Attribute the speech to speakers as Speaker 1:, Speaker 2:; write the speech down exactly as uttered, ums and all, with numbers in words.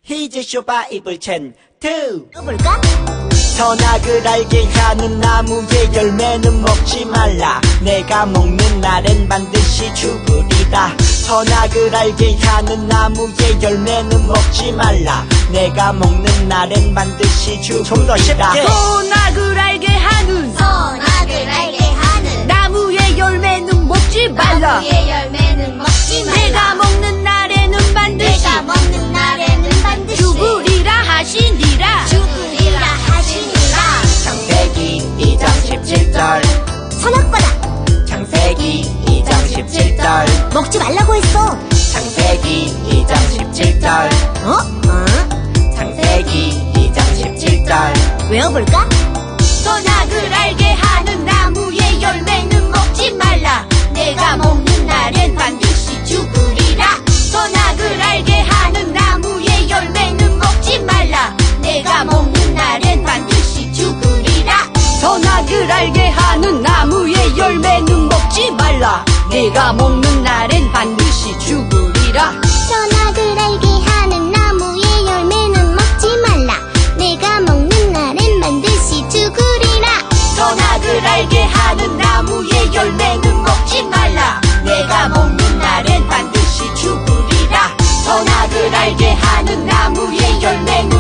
Speaker 1: 히즈 쇼바 이블 첸투
Speaker 2: 읽어볼까?
Speaker 1: 선악을 알게 하는 나무의 열매는 먹지 말라. 내가 먹는 날엔 반드시 죽으리라. 선악을 알게 하는 나무의 열매는 먹지 말라. 내가 먹는 날엔 반드시 죽으리라. 좀 더 쉽게.
Speaker 3: 선악을 알게 하는
Speaker 2: 선악을 알게 하는
Speaker 3: 나무의 열매는 먹지 말라.
Speaker 2: 나무의 열매는 먹지 말라.
Speaker 3: 내가 먹는 날에는 반드시
Speaker 2: 내가 먹는 날에는 반드시
Speaker 3: 죽으리라 하시니라.
Speaker 2: 죽으리라 하시니라.
Speaker 1: 창세기 이 장 십칠 절
Speaker 2: 선악과다.
Speaker 1: 창세기 이 장 십칠 절
Speaker 2: 먹지 말라고 했어.
Speaker 1: 창세기 이 장 십칠 절
Speaker 2: 어? 어?
Speaker 1: 창세기 이 장 십칠 절
Speaker 2: 외워볼까?
Speaker 3: 선악을 알게 하는 나무의 열매는 먹지 말라. 내가 먹는 날엔 반드시 죽으리라. 선악을 알게 하는 나무의 열매는 먹지 말라. 내가 먹는 날엔 반드시 죽으리라. 선악을 알게 하는 나무의 열매는 먹지 말라. 내가 먹는 날엔 반드시 죽으리라.
Speaker 2: 선악을 알게 하는 나무의 열매는 먹지 말라. 내가 먹는 날엔 반드시 죽으리라.
Speaker 3: 선악을 알게 하는 나무의 열매는 먹지 말라. 내가 먹는 날엔 반드시 죽으리라. 선악을 알게 하는 나무의 열매는